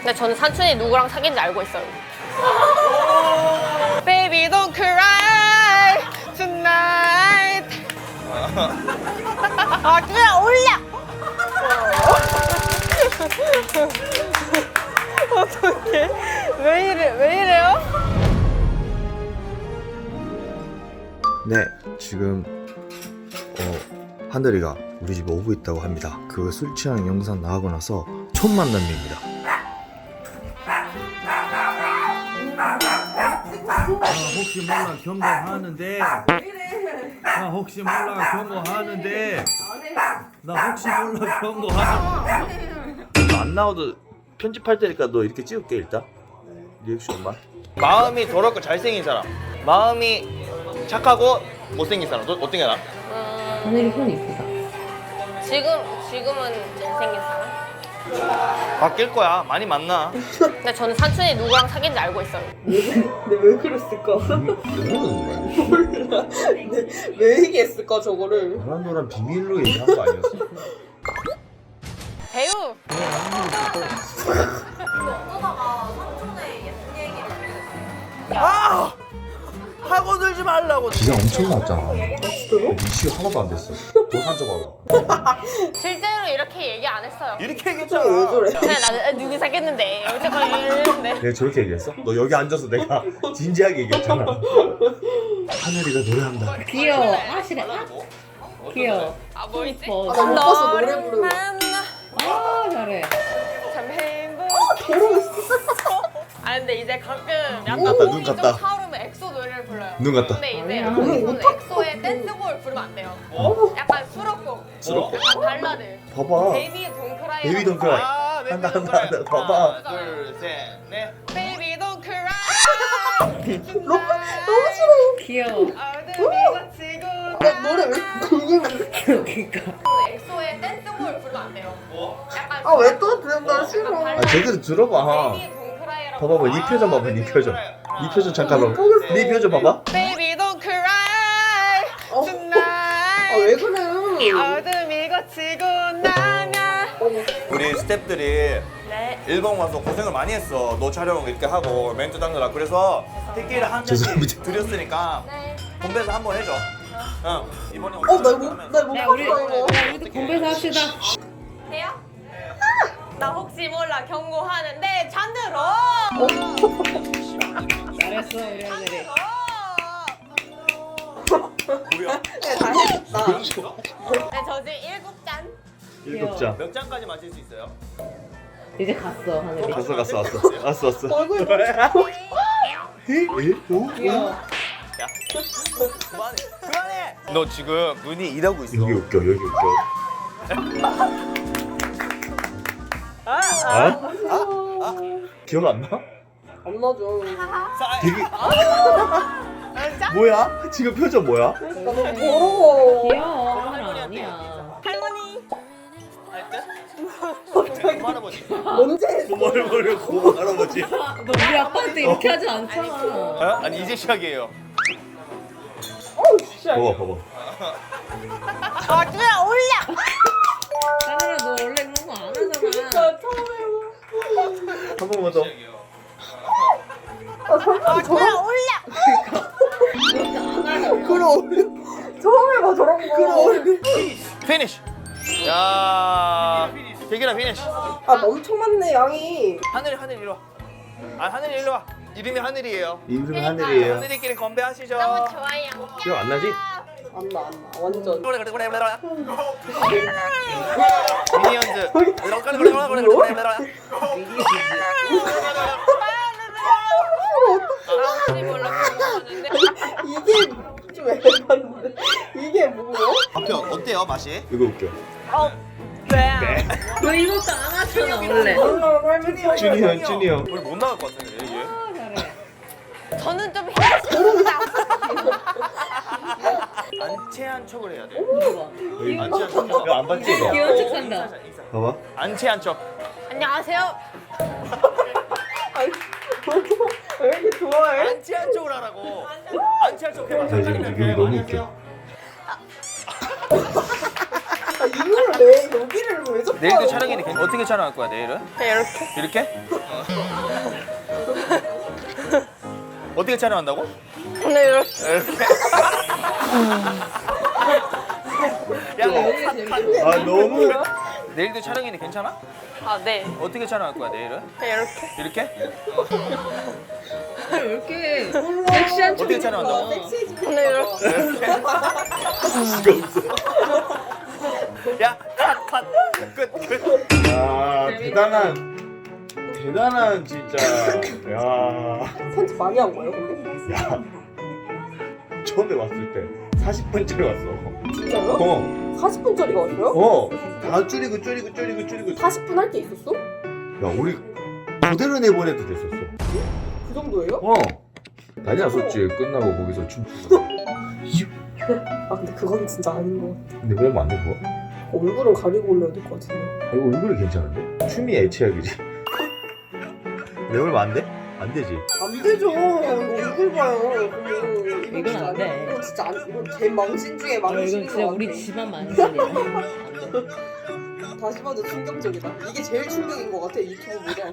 근데 저는 산춘이 누구랑 사귄지 알고 있어요. Baby don't cry tonight. 아 그냥 올려. 어떡해. 왜 이래요? 네, 지금 하늘이가 우리 집에 오고 있다고 합니다. 그 술 취하는 영상 나가고 나서 첫 만남입니다. 혹시 몰라 경고하는데 나 혹시 몰라 경고하는데 나 혹시 몰라 경고하는데 안 나와도 편집할 테니까 너 이렇게 찍을게 일단. 리액션만. 마음이 더럽고 잘생긴 사람, 마음이 착하고 못생긴 사람. 너 어떤 게 나아? 하늘이 손 이쁘다. 지금은 잘생긴 사람? 바뀔 거야. 많이 만나. 근데 저는 산춘이 누구랑 사귄지 알고 있어요. 근데 왜 그랬을까? 몰라. 근데 왜 얘기했을까 저거를? 너랑 너랑 비밀로 얘기한 거 아니었어? 배우! 아! 하고 들지 말라고. 기가 엄청 났잖아. 이슈 하나도 안 됐어. 너 산적하고. 실제로 이렇게 얘기 안 했어요. 이렇게 왜 얘기했잖아. 저래? 그냥 나는 누구 사귀었는데 어쨌거나 이랬는데. 내가 저렇게 얘기했어? 너 여기 앉아서 내가 진지하게 얘기했잖아. 하늘이가 노래한다. 귀여워. 아시래. 귀여워. 뭐 있지? 이뻐. 나 못 봤어 노래 너를 부르는 거. 만나 아 잘해. 참 행복. 더러웠어. 아 근데 이제 가끔 약간 같다, 눈 몸이 좀 같다. 차오르면 엑소 노래를 불러요. 눈 같다. 근데 이제 아니야. 저는 엑소의 댄스볼 부르면 안 돼요. 약간 수록곡. 약간 발라드. 봐봐. 베이비 동크라이. 베이비 don't cry. 아, 네, 한다, 네, 한다, 한다. 그래. 봐봐. 하나, 둘, 셋, 넷. 베이비 don't cry. 너무 싫어. 귀여워. 어둠이 지고 나 노래 왜 궁금해? 그러니까. 엑소의 댄스볼 부르면 안 돼요. 약간 아 왜 또 들은다 싫어. 약간 아 발라드. 제대로 들어봐. 베이비 동크라이라고. 봐봐, 네 표정 봐봐, 네 표정. 네 표정 잠깐만. 네 표정 봐봐. Baby don't cry 어. tonight. 아 왜 그래? 어둠이 거치고 나면. 우리 스태프들이 네. 일본 와서 고생을 많이 했어. 너 촬영 이렇게 하고 멘트 당느라. 그래서 티켓을 한 잔씩 죄송합니다. 드렸으니까 네. 건배사 한번 해줘. 응. 이번에 나못 야 봤어 우리 이거. 우리도 공부해서 합시다. 돼요? 나 혹시 몰라 경고하는데 잔들어. 잘했어 우리 아들이. 뭐야? 다 했다. 네, 저 지금 7잔. 일곱 장. 몇 잔까지 마실 수 있어요? 이제 갔어 하늘이. 왔어. 얼굴 귀여워. 야. 그만해. 너 지금 눈이 이러고 있어. 여기 웃겨, 여기 웃겨. 기억 안 나? 안 나죠. 되게 뭐야? 지금 표정 뭐야? 나 너무 더러워. 귀여워. 하늘 아니야. 할머니. 할 때? 할아버지. 언제 했어? 뭘 고모 할아버지. 너 우리 아빠한테 이렇게 하지 않잖아. 어? 아니 이제 시작이에요. 봐봐. 아 그냥 올려. 하늘아 너 원래 그런 거 안 하잖아. 나 처음 해봐. 한 번만 더. 아 그냥 올려. 그럼 처음 해봐 저런 거. 피니쉬. 야. 대기라 피니쉬. 아 엄청 많네 양이. 하늘이 이리 와. 아 하늘이 이리 와. 이름이 하늘이에요. 이름이 하늘이에요. 하늘이끼리 건배하시죠. 너무 좋아요. 기억 안 나지? 안나 완전. 그래. 미니언즈. 그래. 아무리 몰라 경고하는데. 이게 좀 애반데. 이게 뭐야? 앞에 어때요 맛이? 이거 웃겨. 네. 너 이것도 안 하잖아 원래. 몰라 할머니. 준이 형. 우리 못 나갈 것 같은데 이게. 아 잘해. 저는 좀 해주세요. 안채한 척을 해야 돼. 봐봐. 안채한 척. 이거 안 봤지 이거? 귀여운 척 산다. 봐봐. 안채한 척. 안녕하세요. 아니 왜 이렇게 좋아해? 안채한 척을 하라고. 안채한 척 해봐. 나 지금 이거 너무 웃겨. 아 이걸 왜 여기를 왜 자꾸 내일도 하는 촬영인데 거야? 어떻게 촬영할 거야 내일은? 그냥 이렇게. 이렇게? 어떻게 촬영한다고? 그냥 이렇게. 이렇게? 아 너무 내일도 촬영인데 괜찮아? 아 네. 어떻게 촬영할 거야 내일은? 그냥 이렇게. 이렇게? 왜 이렇게 섹시한 척 어떻게 촬영한다고? 그냥 이렇게. 야, 컷. 끝. 아 대단한 진짜 야 편집 많이 한 거예요 근데? 야, 처음에 왔을 때 40분짜리 왔어. 진짜요? 어, 40분짜리가 왔어요? 다 줄이고 40분 할 게 있었어? 야, 우리 그대로 내보내도 됐었어. 그 정도예요? 난리 났었지. 끝나고 거기서 춤. 아 근데 그건 진짜 아닌 것 같아. 근데 왜 안 돼, 그거? 얼굴은 가리고 올려야 될 것 같은데. 이거 얼굴이 괜찮은데? 춤이 애착이지. 내 얼굴 안 돼? 안 되지. 안 되죠. 얼굴 봐요. 이건 안 돼. 이건 진짜 안. 이건 제 망신 중에 망신인 이건 것 진짜 같아. 우리 집안 만실이야. 다시 봐도 충격적이다. 이게 제일 충격인 것 같아 유튜브보다.